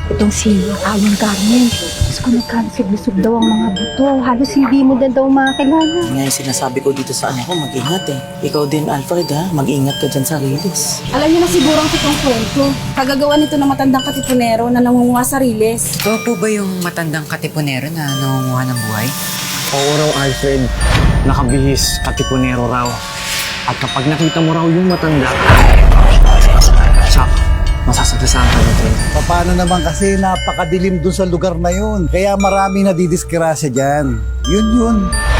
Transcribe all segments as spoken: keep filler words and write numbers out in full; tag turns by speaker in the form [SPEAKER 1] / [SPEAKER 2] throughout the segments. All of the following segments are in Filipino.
[SPEAKER 1] Itong si Alan Carmen. Diyos ko, nagkalusog-lusog daw ang mga buto. Halos hindi mo na daw makakilala.
[SPEAKER 2] Yan nga yung sinasabi ko dito sa anak ko, mag-ingat eh. Ikaw din, Alfred ha, mag-ingat ka dyan sa riles.
[SPEAKER 3] Alam niyo na siguro ang pitong kwento. Kagagawa nito ng matandang katipunero na nangunguha sa riles.
[SPEAKER 4] Ito po ba yung matandang katipunero na nangunguha ng buhay?
[SPEAKER 5] Oo raw, Alfred. Nakabihis, katipunero raw. At kapag nakita mo raw yung matanda, tsak, masasaglasahan ka nito.
[SPEAKER 6] Paano naman kasi napakadilim dun sa lugar na yun. Kaya marami nadidiskrasya dyan. Yun yun.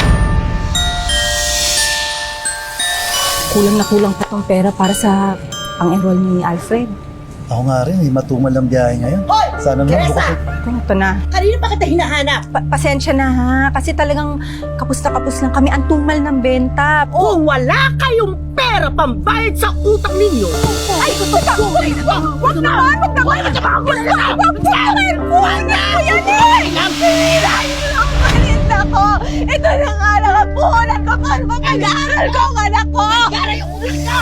[SPEAKER 1] Kulang na kulang pa tong pera para sa pang-enroll ni Alfred.
[SPEAKER 6] Ako nga rin, may matumal ang biyahe ngayon. Sana naman bukas.
[SPEAKER 1] Ito na.
[SPEAKER 7] Kanina pa kita hinahanap?
[SPEAKER 1] Pa- pasensya na ha. Kasi talagang kapus na kapus lang kami. Ang tumal ng benta.
[SPEAKER 7] Kung wala kayong pera pambayad sa utang ninyo, ay gusto ka! Wag naman! Wag naman! Wag naman! Wag naman! Wag naman! Wag naman! Pinahin lang ang paninda ko! Ito na nga lang ang puhunan ko para mapag-aaral ko ang anak ko! Pag-aaral yung ulit ka!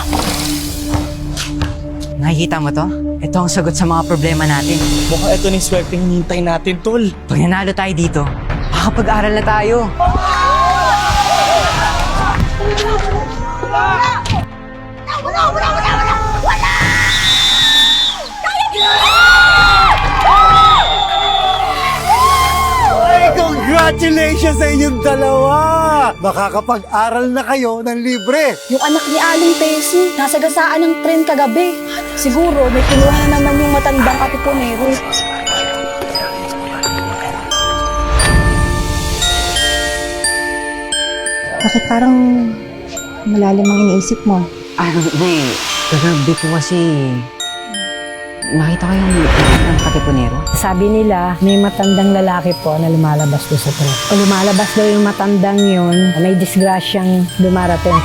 [SPEAKER 4] Nakikita mo to? Ito ang sagot sa mga problema natin.
[SPEAKER 2] Mukhang ito na yung swerte hinihintay natin, tol.
[SPEAKER 4] Pag nanalo tayo dito, makakapag-aral na tayo.
[SPEAKER 7] Wala! Wala! Wala! Wala! Wala!
[SPEAKER 6] Ay, congratulations sa inyong dalawa! Makakapag-aral na kayo ng libre.
[SPEAKER 3] Yung anak ni Aling Tessie, nasagasaan ng tren kagabi. Siguro, may kinuha na naman yung matandang katipunero.
[SPEAKER 1] Bakit parang malalim ang iniisip mo?
[SPEAKER 4] Ah, hindi. Kagabi po kasi, nakita ko yung matandang katipunero.
[SPEAKER 8] Sabi nila, may matandang lalaki po na lumalabas doon sa tren. O lumalabas daw yung matandang yun, may disgrasyang dumarating.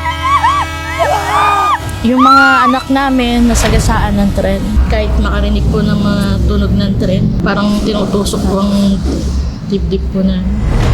[SPEAKER 9] Yung mga anak namin nasagasaan ng tren. Kahit makarinig po ng mga tunog ng tren, parang tinutusok po ang dibdib po namin.